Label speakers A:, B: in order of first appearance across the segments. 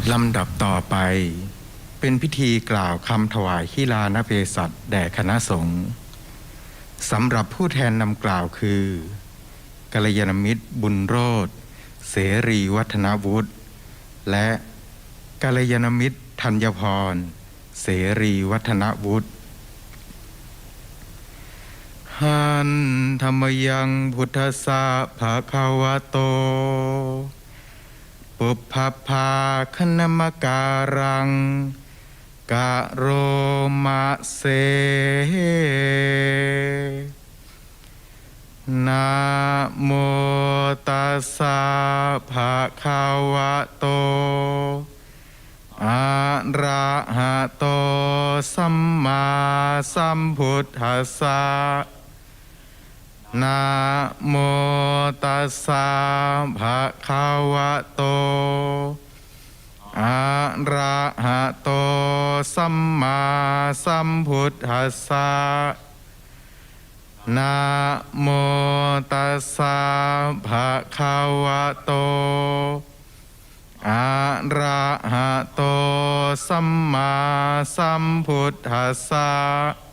A: ลำดับต่อไปเป็นพิธีกล่าวคำถวายขีฬานเพศัตแด่คณะสงฆ์สำหรับผู้แทนนำกล่าวคือกัลยาณมิตรบุญโรจน์เสรีวัฒนวุฒิและกัลยาณมิตรธัญพรเสรีวัฒนวุฒิหันธรรมยังพุทธสสะภะคะวะโตปุพพภาคณมการังกะโรมะเสนะโมตัสสะภะคะวะโตอะระหะโตสัมมาสัมพุทธัสสะนะโมตัสสะภะคะวะโตอะระหะโตสัมมาสัมพุทธัสสะนะโมตัสสะภะคะวะโตอะระหะโตสัมมาสัมพุทธัสสะ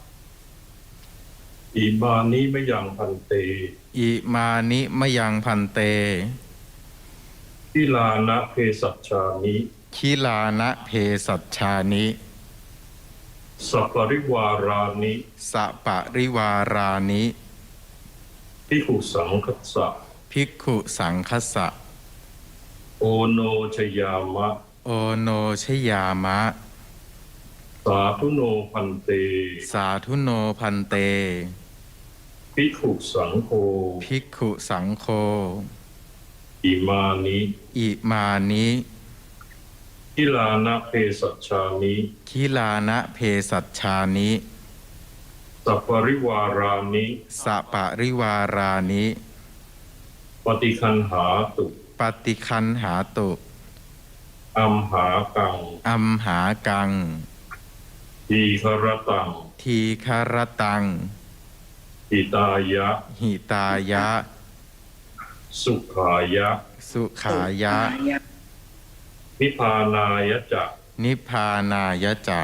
B: อิมานิมะยังพันเต
A: อิมานิมะยังพันเต
B: ทิลานะเพสัชชานิ
A: คิลานะเพสัชชานิ
B: สัปปริวารานิ
A: สัปปริวารานิ
B: ภิกขุสังคัสสะ
A: ภิกขุสังคัสสะ
B: โอโนชยามะ
A: โอโนชยามะ
B: สาธุโนพันเต
A: สาธุโนพันเต
B: ภิกขุสังโฆ
A: ภิกขุสังโฆ
B: อิมานิ
A: อิมานิ
B: ทิลานะเพสัชชานิ
A: คิลานะเพสัชชานิ
B: สัปปริวารานิ
A: สัปปริวารานิ
B: ปฏิคันหาตุ
A: ปฏิคันหาตุ
B: อัมหากัง
A: อัมหากัง
B: ทีครตัง
A: ทีครตัง
B: หิตายะ
A: หิตายะ
B: สุขายะ
A: สุขายะ
B: นิพพานายะจะ
A: นิพพานายะจะ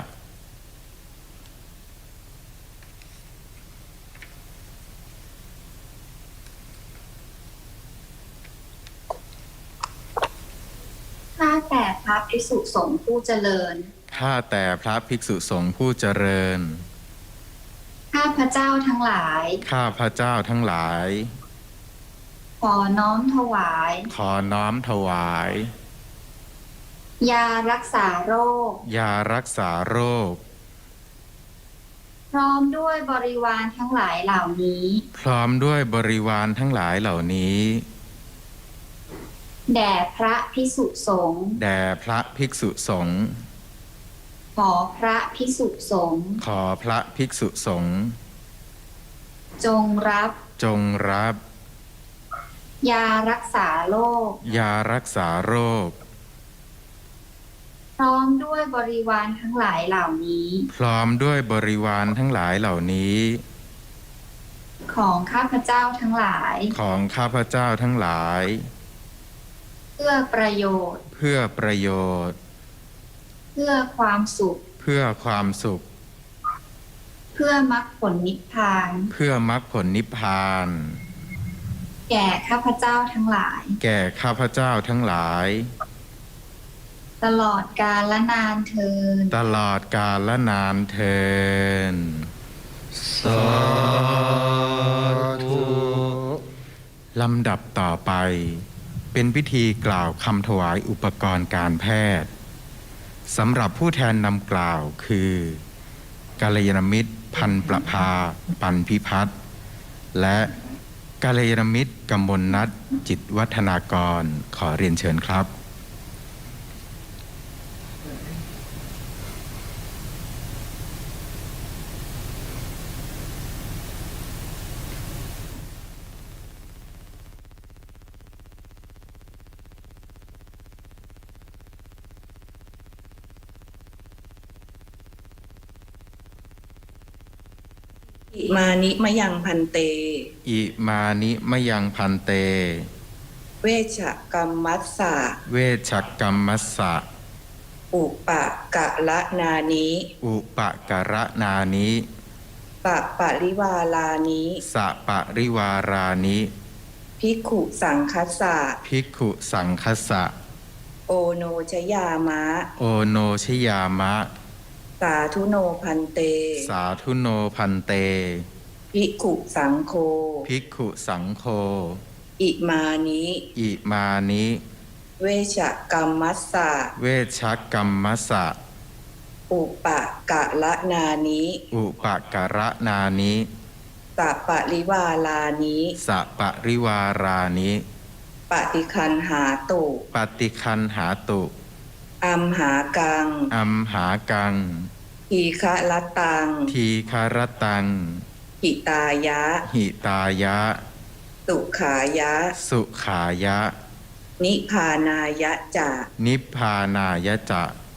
C: ข้าแต่พระภิกษุสงฆ์ผู้เจริญ
A: ข้าแต่พระภิกษุสงฆ์ผู้เจริญ
C: ข้าพระเจ้าทั้งหลาย
A: ข้าพระเจ้าทั้งหลาย
C: ขอน้อมถวาย
A: ขอน้อมถวาย
C: ยารักษาโรค
A: ยารักษาโรค
C: พร้อมด้วยบริวารทั้งหลายเหล่านี้
A: พร้อมด้วยบริวารทั้งหลายเหล่านี้
C: แด่พระภิกษุสงฆ์
A: แด่พระภิกษุสงฆ์
C: ขอพระภิกษุสงฆ์
A: ขอพระภิกษุสงฆ์
C: จงรับ
A: จงรับ
C: ยารักษาโรค
A: ยารักษาโรค
C: พร้อมด้วยบริวารทั้งหลายเหล่านี้
A: พร้อมด้วยบริวารทั้งหลายเหล่านี้
C: ของข้าพเจ้าทั้งหลาย
A: ของข้าพเจ้าทั้งหลาย
C: เพื่อประโยชน์
A: เพื่อประโยชน์
C: เพื่อความสุข
A: เพื่อความสุข
C: เพื่อมรรคผลนิพพาน
A: เพื่อมรรคผลนิพพาน
C: แก่ข้าพเจ้าทั้งหลาย
A: แก่ข้าพเจ้าทั้งหลาย
C: ตลอดกาลและนานเทิน
A: ตลอดกาลและนานเทิน
B: สาธุ
A: ลำดับต่อไปเป็นพิธีกล่าวคำถวายอุปกรณ์การแพทย์สำหรับผู้แทนนำกล่าวคือกัลยาณมิตรพันประภาปันพิพัฒน์และกัลยาณมิตรกมลนัทจิตวัฒนากรขอเรียนเชิญครับ
D: อิมานิมะยังพันเต
A: อิมานิมะยังพันเต
D: เวชกรรมัสสะ
A: เวชกรรมัสสะ
D: อุปกะละนานิ
A: อุปกระนานิ
D: ปริวาลานิ
A: สะปริวารานิ
D: ภิกขุสังคัสสะ
A: ภิกขุสังคัสสะ
D: โอโนชยามะ
A: โอโนชยามะ
D: สาธุโนพันเต
A: สาธุโนพันเต
D: ภิกขุสังโฆ
A: ภิกขุสังโฆ
D: อิมานิ
A: อิมานิ
D: เวชกรรมัสสะ
A: เวชกรรมสะ
D: อุปกะละนานิ
A: อุปกระนานิ
D: สัปปริวาลานิ
A: สะปริวารานิ
D: ปฏิคันหาตุ
A: ปฏิคันหาตุ
D: อัมหากัง
A: อัมหากัง
D: ทีฆะละตัง
A: ทีคารตัง
D: หิตายะ
A: หิตายะ
D: สุขายะ
A: สุขายะ
D: นิพพานายะจะ
A: นิพพานายะจะ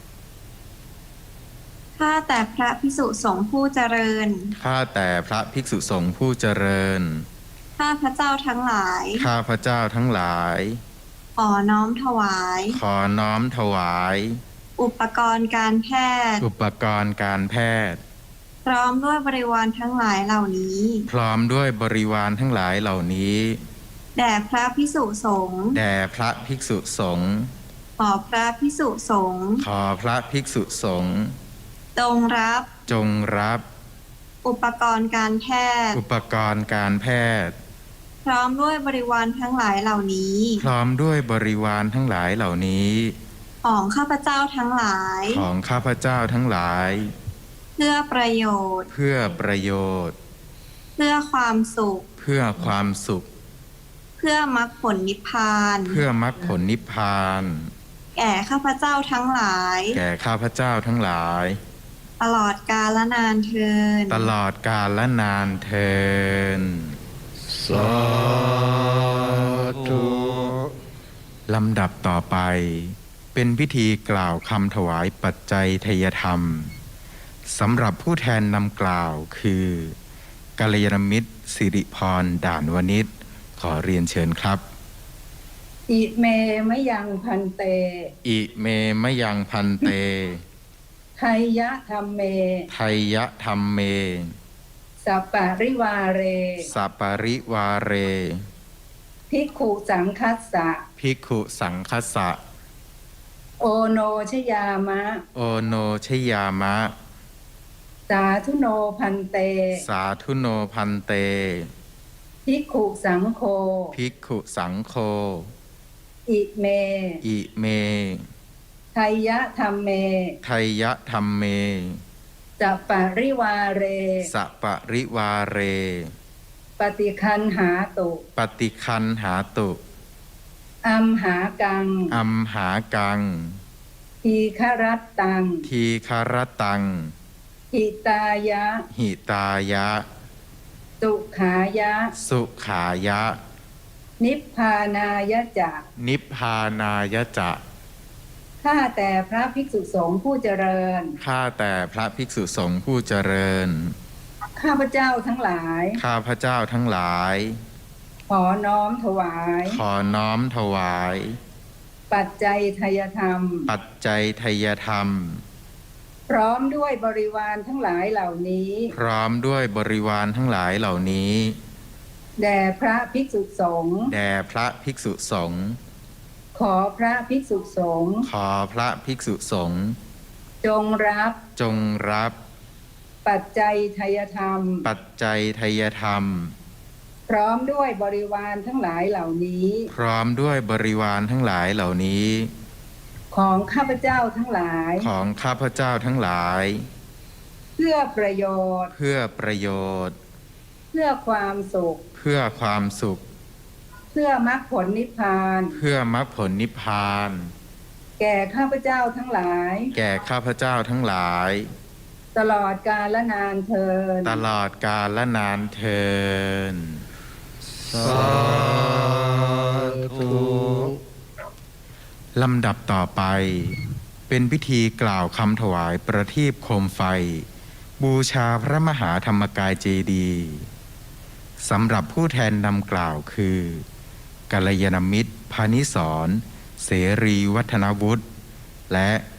C: ข้าแต่พระภิกษุสงฆ์ผู้เจริญ
A: ข้าแต่พระภิกษุสงฆ์ผู้เจริญ
C: ข้าพระเจ้าทั้งหลาย
A: ข้าพระเจ้าทั้งหลาย
C: ขอน้อมถวาย
A: ขอน้อมถวาย
C: อุปกรณ์การแพทย์
A: อุปกรณ์การแพทย์
C: พร้อมด้วยบริวารทั้งหลายเหล่านี้
A: พร้อมด้วยบริวารทั้งหลายเหล่านี้
C: แด่พระภิกษุสงฆ์
A: แด่พระภิกษุสงฆ์
C: ขอพระภิกษุสงฆ์
A: ขอพระภิกษุสงฆ์
C: จงรับ
A: จงรับ
C: อุปกรณ์การแพทย์
A: อุปกรณ์การแพทย์
C: พร้อมด้วยบริวารทั้งหลายเหล่านี้
A: พร้อมด้วยบริวารทั้งหลายเหล่านี้
C: ของข้าพเจ้าทั้งหลาย
A: ของข้าพเจ้าทั้งหลาย
C: เพื่อประโยชน์
A: เพื่อประโยชน์
C: เพื่อความสุข
A: เพื่อความสุข
C: เพื่อมรรคผลนิพพาน
A: เพื่อมรรคผลนิพพาน
C: แก่ข้าพเจ้าทั้งหลาย
A: แก่ข้าพเจ้าทั้งหลาย
C: ตลอดกาลนานเทิน
A: ตลอดกาลและนานเทิน
B: สาธุ
A: ลำดับต่อไป เป็นพิธีกล่าวคำถวายปัจจัยทยธรรมสำหรับผู้แทนนำกล่าวคือกัลยาณมิตรสิริพรด่านวณิชขอเรียนเชิญครับ
E: อิเมมะยังพันเต
A: อิเมมะยังพันเต
E: ไทยะธรรมเม
A: ไทยะธรรมเม
E: สัปปะริวาเร
A: สัปปริวาเร
E: ภิกขุสังคัสสะ
A: ภิกขุสังคัสสะ
E: โอโนชยามะ
A: โอโนชยามะ
E: สาธุโนพันเต
A: สาธุโนพันเต
E: ภิกขุสังโฆ
A: ภิกขุสังโฆ
E: อิเม
A: อิเม
E: ไทยะธรรมเม
A: ไทยะธรรมเม
E: สัปปะริวาเร
A: สัปริวาเร
E: ปฏิคันหาตุ
A: ปฏิคันหาตุ
E: อัมหากัง
A: อัมหากัง
E: ทีฆรัตตัง
A: ทีคารตัง
E: หิตายะ
A: หิตายะ
E: สุขายะ
A: สุขายะ
E: นิพพานายะจะ
A: นิพพานายะจะ
E: ข้าแต่พระภิกษุสงฆ์ผู้เจริญ
A: ข้าแต่พระภิกษุสงฆ์ผู้เจริญ
E: ข้าพเจ้าทั้งหลาย
A: ข้าพเจ้าทั้งหลาย
E: ขอน้อมถวาย
A: ขอน้อมถวาย
E: ปัจจัยทยธรรม
A: ปัจจัยทยธรรม
E: พร้อมด้วยบริวารทั้งหลายเหล่านี้
A: พร้อมด้วยบริวารทั้งหลายเหล่านี้
E: แด่พระภิกษุสงฆ์
A: แด่พระภิกษุสงฆ์
E: ขอพระภิกษุสงฆ์
A: ขอพระภิกษุสงฆ์
E: จงรับ
A: จงรับ
E: ปัจจัยทยธรรม
A: ปัจจัยทยธรรม
E: พร้อมด้วยบริวารทั้งหลายเหล่านี้
A: พร้อมด้วยบริวารทั้งหลายเหล่านี้
E: ของข้าพเจ้าทั้งหลาย
A: ของข้าพเจ้าทั้งหลาย
E: เพื่อประโยชน์
A: เพื่อประโยชน์
E: เพื่อความสุข
A: เพื่อความสุข
E: เพื่อมรรคผลนิพพาน
A: เพื่อมรรคผลนิพพาน
E: แก่ข้าพเจ้าทั้งหลาย
A: แก่ข้าพเจ้าทั้งหลาย
E: ตลอดกาลนานเทิน
A: ตลอดกาลและนานเทิน
B: สาธุ
A: ลำดับต่อไป เป็นพิธีกล่าวคำถวายประทีปโคมไฟ บูชาพระมหาธรรมกายเจดีย์สำหรับผู้แทนนำกล่าวคือกัลยาณมิตรพานิสรเสรีวัฒนวุฒิและ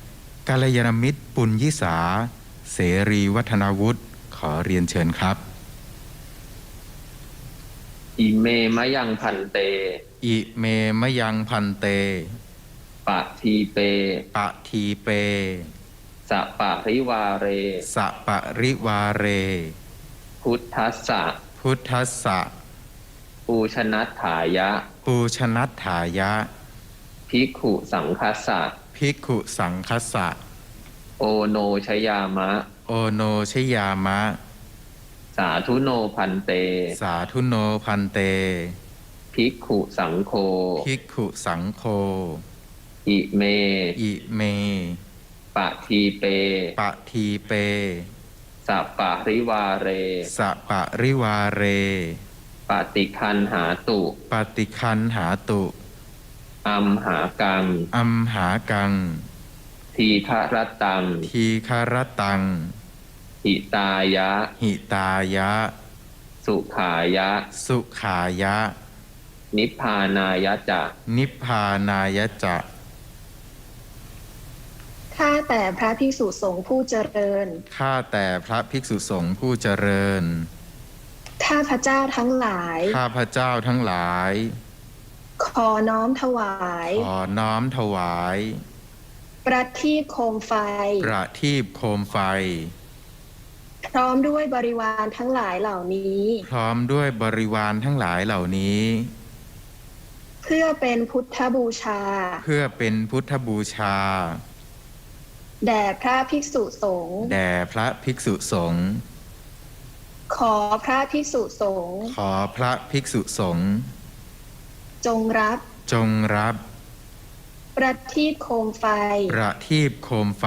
A: กัลยาณมิตรปุญยิสาเสรีวัฒนาวุฒิขอเรียนเชิญครับ
F: อิเมมะยังพันเต
A: อิเมมะยังพันเต
F: ปะทีเป
A: ปะทีเป
F: สะปะริวาเร
A: สะปะริวาเร
F: พุทธัสสะ
A: พุทธัสสะ
F: ปูชนัตถายะ
A: ปูชนัตถายะ
F: ภิกขุสังคัสสะ
A: ภิกขุสังคัสสะ
F: โอโนชยามะ
A: โอโนชยามะ
F: สาธุโนพันเต
A: สาธุโนพันเต
F: ภิกขุสังโฆ
A: ภิกขุสังโฆ
F: อิเม
A: อิเม
F: ปะทีเป
A: ปะทีเป
F: สะปะริวาเร
A: สะปะริวาเร
F: ปฏิคันหาตุ
A: ปฏิคันหาตุ
F: อัมหากัง
A: อัมหากัง
F: ทีฆรตัง
A: ทีคารตัง
F: หิตายะ
A: หิตายะ
F: สุขายะ
A: สุขายะ
F: นิพพานายะจะ
A: นิพพานายะจะ
G: ข้าแต่พระภิกษุสงฆ์ผู้เจริญ
A: ข้าแต่พระภิกษุสงฆ์ผู้เจริญ
G: ข้าพระเจ้าทั้งหลาย
A: ข้าพระเจ้าทั้งหลาย
G: ขอน้อมถวาย
A: ขอน้อมถวาย
G: ประทีปโคมไฟ
A: ประทีปโคมไฟ
G: พร้อมด้วยบริวารทั้งหลายเหล่านี้
A: พร้อมด้วยบริวารทั้งหลายเหล่านี้
G: เพื่อเป็นพุทธบูชา
A: เพื่อเป็นพุทธบูชา
G: แด่พระภิกษุสงฆ์
A: แด่พระภิกษุสงฆ์
G: ขอพระภิกษุสงฆ์
A: ขอพระภิกษุสงฆ์
G: จงรับ
A: จงรับ
G: ประทีปโคมไฟ
A: ประทีปโคมไฟ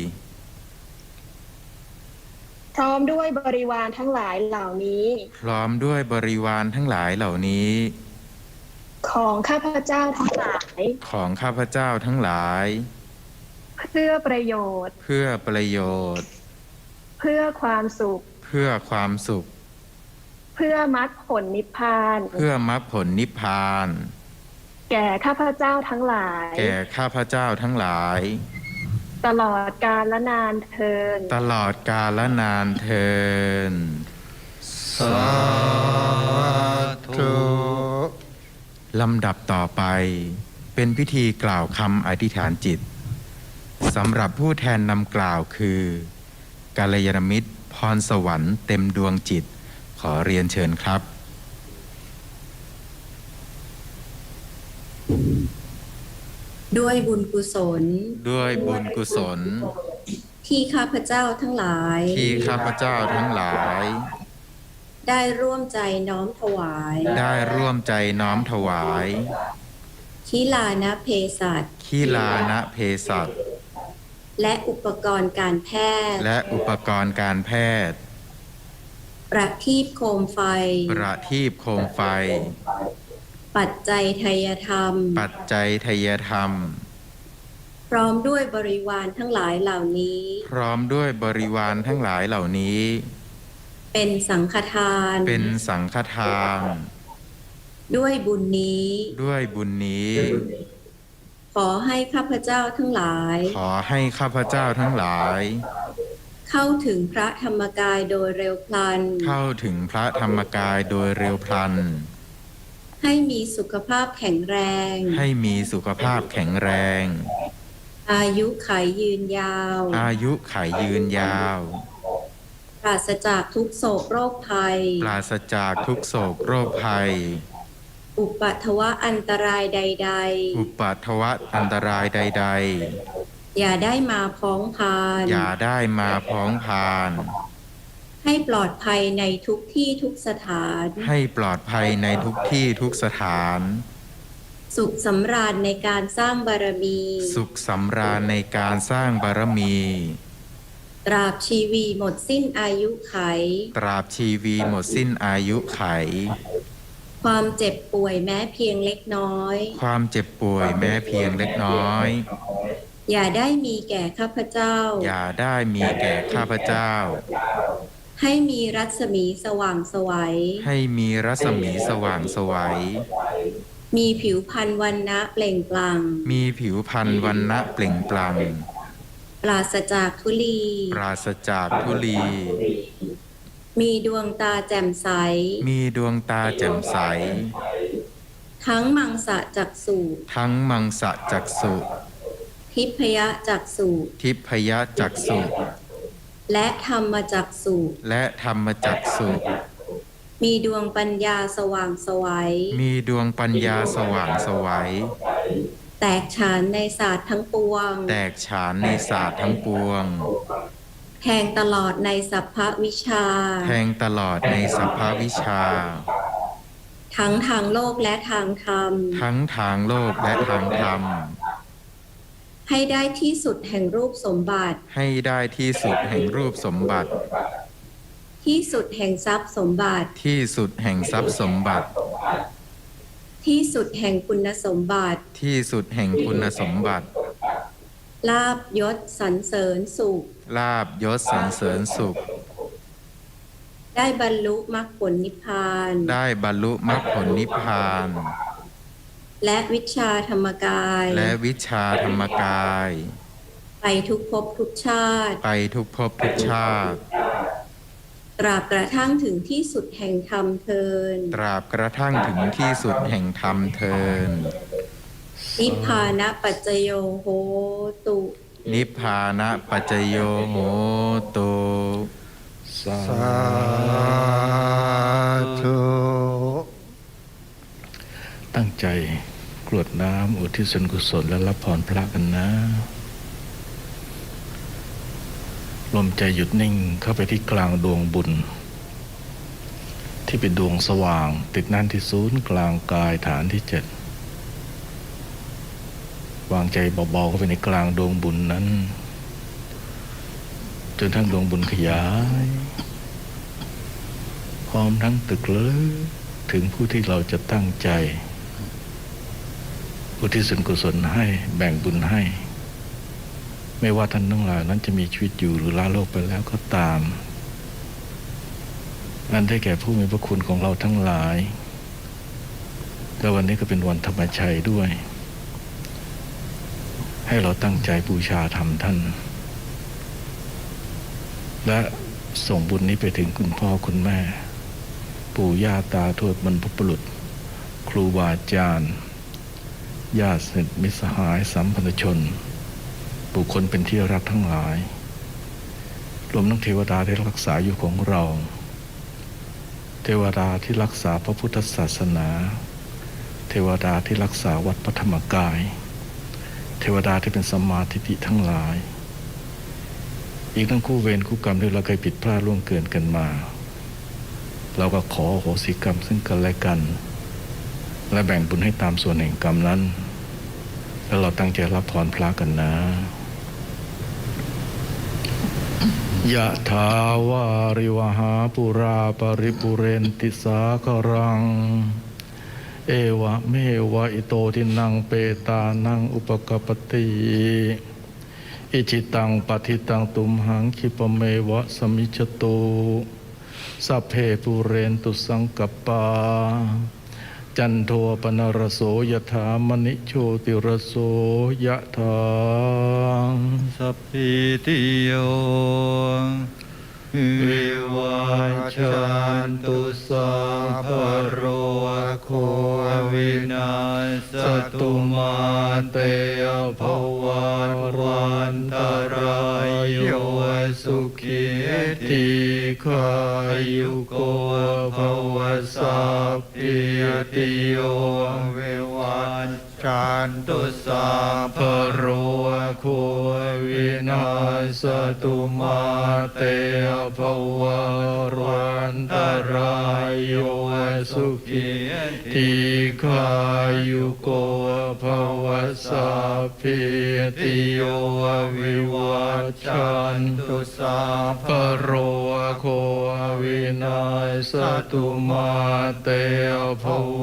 G: พร้อมด้วยบริวารทั้งหลายเหล่านี้
A: พร้อมด้วยบริวารทั้งหลายเหล่านี้
G: ของข้าพเจ้าทั้งหลาย
A: ของข้าพเจ้าทั้งหลาย
G: เพื่อประโยชน์
A: เพื่อประโยชน์
G: เพื่อความสุข
A: เพื่อความสุข
G: เพื่อมรรคผลนิพพาน
A: เพื่อมรรคผลนิพพาน
G: แก่ข้าพเจ้าทั้งหลาย
A: แก่ข้าพเจ้าทั้งหลาย
G: ตลอดกาลและนานเทิน
A: ตลอดกาลนานเทิน
H: สาธุ
A: ลำดับต่อไปเป็นพิธีกล่าวคำอธิษฐานจิตสำหรับผู้แทนนำกล่าวคือกัลยาณมิตรพรสวรรค์เต็มดวงจิตขอเรียนเชิญครับ
I: ด้วยบุญกุศล
A: ด้วยบุญกุศล
I: ที่ข้าพเจ้าทั้งหลาย
A: ที่ข้าพเจ้าทั้งหลาย
I: ได้ร่วมใจน้อมถวาย
A: ได้ร่วมใจน้อมถวาย
I: ทิลานะเพศัต
A: ขีลานะเพศัต
I: และอุปกรณ์การแพทย์
A: และอุปกรณ์การแพทย์
I: ประทีปโคมไฟ
A: ประทีปโคมไฟ
I: ปัจจัยไทยธรรม
A: ปัจจัยไทยธรรม
I: พร้อมด้วยบริวารทั้งหลายเหล่านี้
A: พร้อมด้วยบริวารทั้งหลายเหล่านี้
I: เป็นสังฆทาน
A: เป็นสังฆทาน
I: ด้วยบุญนี้
A: ด้วยบุญนี้
I: ขอให้ข้าพเจ้าทั้งหลาย
A: ขอให้ข้าพเจ้าทั้งหลาย
I: เข้าถึงพระธรรมกายโดยเร็วพลัน
A: เข้าถึงพระธรรมกายโดยเร็วพลัน
I: ให้มีสุขภาพแข็งแรง
A: ให้มีสุขภาพแข็งแรง
I: อายุขัยยืนยาว
A: อายุขัยยืนยาว
I: ปราศจากทุกโศกโรคภัย
A: ปราศจากทุกโศกโรคภัย
I: อุปัทวะอันตรายใด
A: อุปัทวะอันตรายใด
I: ๆ อย่าได้มาพ้องพาน
A: ๆ อย่าได้มาพ้องพาน
I: ให้ปลอดภัยในทุกที่ทุกสถาน
A: ให้ปลอดภัยในทุกที่ทุกสถาน
I: สุขสำราญในการสร้างบารมี
A: สุขสำราญในการสร้างบารมี
I: ตราบชีวีหมดสิ้นอายุไข
A: ตราบชีวีหมดสิ้นอายุไข
I: ความเจ็บป่วยแม้เพียงเล็กน้อย
A: ความเจ็บป่วยแม้เพียงเล็กน้อย
I: อย่าได้มีแก่ข้าพเจ้า
A: อย่าได้มีแก่ข้าพเจ้า
I: ให้มีรัศมีสว่างไสวัย
A: ให้มีรัศมีสว่างไสวัย
I: มีผิวพรรณวรรณะเปล่งปลั่ง
A: มีผิวพรรณวรรณะเปล่งปลั่ง
I: ปราศจากทุลี
A: ปราศจากทุลี
I: มีดวงตาแจ่มใส
A: มีดวงตาแจ่มใส
I: ทั้งมังสะจักษุ
A: ทั้งมังสะจักษุ
I: ทิพยจักษุ
A: ทิพยจักษุ
I: และธรรมจักษุ
A: และธรรมจักษุ
I: มีดวงปัญญาสว่างไสวัย
A: มีดวงปัญญาสว่างไสวัย
I: แตกฉานในศาสตร์ทั้งปวง
A: แตกฉานในศาสตร์ทั้งปวง
I: แทงตลอดในสัพพวิชา
A: แทงตลอดในสัพพวิชา
I: ทั้งทางโลกและทางธรรม
A: ทั้งทางโลกและทางธรรม
I: ให้ได้ที่สุดแห่งรูปสมบัติ
A: ให้ได้ที่สุดแห่งรูปสมบัติ
I: ที่สุดแห่งทรัพย์สมบัติ
A: ที่สุดแห่งทรัพย์สมบัติ
I: ที่สุดแห่งคุณสมบัติ
A: ที่สุดแห่งคุณสมบัติ
I: ลาภยศสรรเสริญสุข
A: ลาภยศสรรเสริญสุข
I: ได้บรรลุมรรคผลนิพพาน
A: ได้บรรลุมรรคผลนิพพาน
I: และวิชาธรรมกาย
A: และวิชาธรรมกาย
I: ไปทุกภพทุกชาติ
A: ไปทุกภพทุกชาติ
I: ตราบกระทั่งถึงที่สุดแห่งธรรมเทิน
A: ตราบกระทั่งถึงที่สุดแห่งธรรมเทิน
I: นิพพานะปัจจโยโหตุ
A: นิพพานะปัจจโยโหตุ
H: สาธุ ตั้งใจกรวดน้ำอุทิศส่วนกุศลและรับพรพระกันนะลมใจหยุดนิ่งเข้าไปที่กลางดวงบุญ ที่เป็นดวงสว่างติดแน่นที่ศูนย์กลางกายฐานที่ 7วางใจเบาๆเข้าไปในกลางดวงบุญนั้นจนทั้งดวงบุญขยายพร้อมทั้งตึกลึกถึงผู้ที่เราจะตั้งใจอุทิศส่วนกุศลให้แบ่งบุญให้ไม่ว่าท่านทั้งหลายนั้นจะมีชีวิตอยู่หรือลาโลกไปแล้วก็ตามนั่นได้แก่ผู้มีพระคุณของเราทั้งหลายและวันนี้ก็เป็นวันธรรมชัยด้วยให้เราตั้งใจบูชาธรรมท่านและส่งบุญนี้ไปถึงคุณพ่อคุณแม่ปู่ย่าตาทวดบรรพบุรุษครูบาอาจารย์ญาติสนิทมิตรสหายสัมพันธชนบุคคลเป็นที่รักทั้งหลายรวมทั้งเทวดาที่รักษาอยู่ของเราเทวดาที่รักษาพระพุทธศาสนาเทวดาที่รักษาวัดพระธรรมกายเทวดาที่เป็นสัมมาทิฏฐิทั้งหลายอีกทั้งคู่เวรคู่กรรมที่เราเคยผิดพลาดล่วงเกินกันมาเราก็ขออโหสิกรรมซึ่งกันและกันและแบ่งบุญให้ตามส่วนแห่งกรรมนั้นแล้วเราตั้งใจรับพรพระกันนะยะถาวาริวหาปุราปริปุเรนติสาครังเอวะเมวะอิโตทินังเปตานังอุปกปติอิจิตังปฏิตังตุมหังคิปะเมวะสมิจโตสัพเพปุเรนตุสังกัปปาจันโทปนรโสยถามณิโชติรโสยถาสัพพิติโยวิวัชชันตุสัพพโรโควินาศตุมาเตภวันตรายโยสุขีทีขายุโกภวสัพพิติโยวิวัชชันตุสัพพโรโควินาศตุมาเตภวันตรายโยสุขีทีขายุโกภวสัพพิติโยวิวัชชันตุสัพพโรโควินาศตุมาเตภว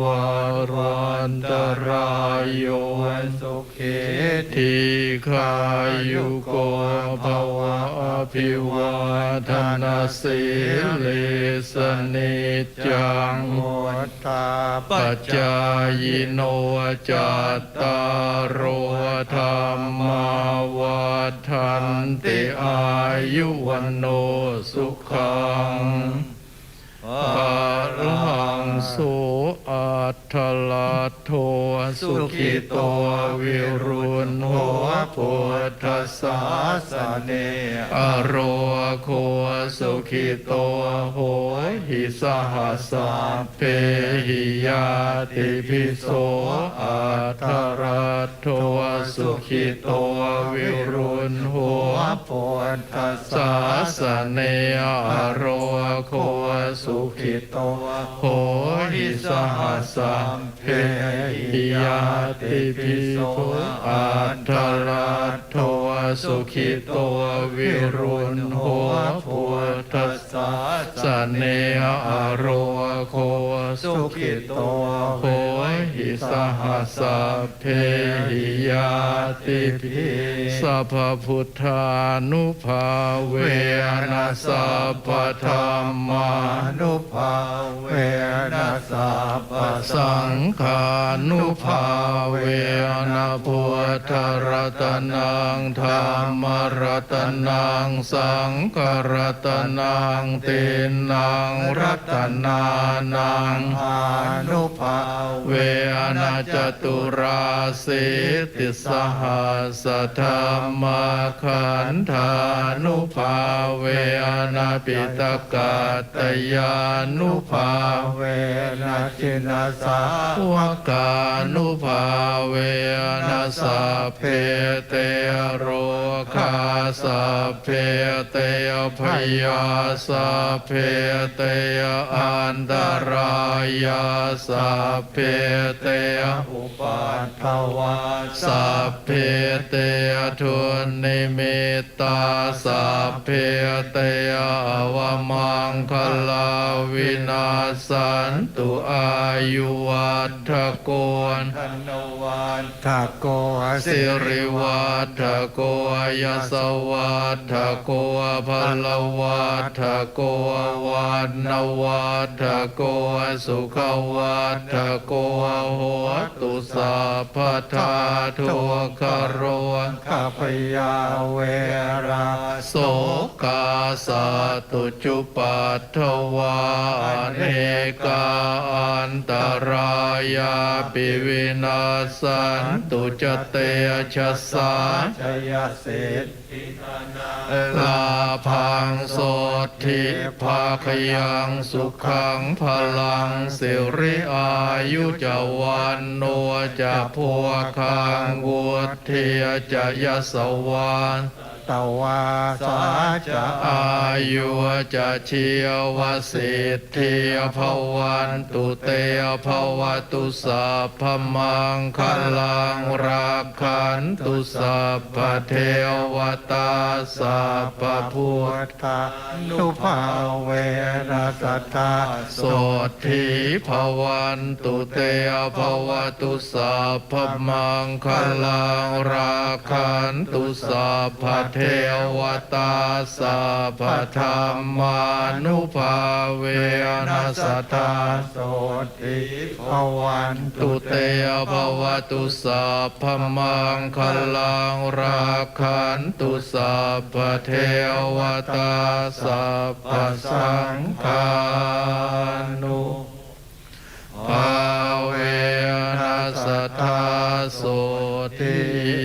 H: วันตรายโยสุขีทีขายุโกภวะอภิวาทนาสิลิสนิจจังมุตตาปัจจายโนจัตตารโอธรรมาวัฏันติอายุวันโนสุขังภาลังสุอัตถลัตโทสุขิโตวิรุณโหพุทธศาสเนอโรโคสุขิโตโหหิสหัสสะเพหิยาติภิโสอัตถลัตโทสุขิโตวิรุณโหพุทธศาสเนอโรโคสุขิโตโหหิสหัสสะเพหิยาติภิโสอัตถลัตโทสุขิโตวิรุณโหพุทธศาสเนอโรโคสุขิโตโหหิสหัสสะเพหิยาติภิสัพพพุทธานุภาเวนะสัพพธัมมานุภาเวนะสัพพสังฆานุภาเวนะพุทธรัตนังธรรมรัตนังสังฆรัตนังตินังรัตนานังอานุภาเวนะจตุราสิติสหัสธรรมขันธานุภาเวนะปิตกัตตยานุภาเวนะจินสาวกานุภาเวนะสัพเพเตโรคาสัพเพเตพยาสัพเพเตอันตรายาสัพเพเตอุปัฏฐวาสัพเพเตทุนิมิตตาสัพเพเตอวมังคลาวินาสันตุอายุวัฏโกธนวัฏโกสิริวัฏโกยสวัฏโกพลวัฏโกวันนวัฏโกสุขวัฏโกโหตุสัพพทาทุกขโรขัพยาเวราโสกาสัตุจุปัฏฐวาเนกาอันตรายาปิวินาสันตุจเตชะสาชยเศษลาพังโสทิภาคยังสุขังพลังสิริอายุจวันโนจะพัวคังวุฒิจะยสวานตวาสาจะอายุจะเชียวสิทธิภวันตุเตภวตุสัพพมังคลังรักขันตุสัพพเทวตาสัพพพุทธานุภาเวนะสัทธาโสทิภวันตุเตภวตุสัพพมังคลังรักขันตุสัพพเทวตาสัพพธรรมานุภาเวนะสัทธาโสทิภวันตุเตภวตุสัพพมังคลังรักขันตุสัพพเทวตาสัพพสังฆานุภาเวนะสัทธาโสทิ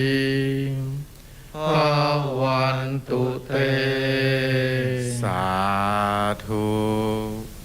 H: ภวันตุเต
A: สาธุ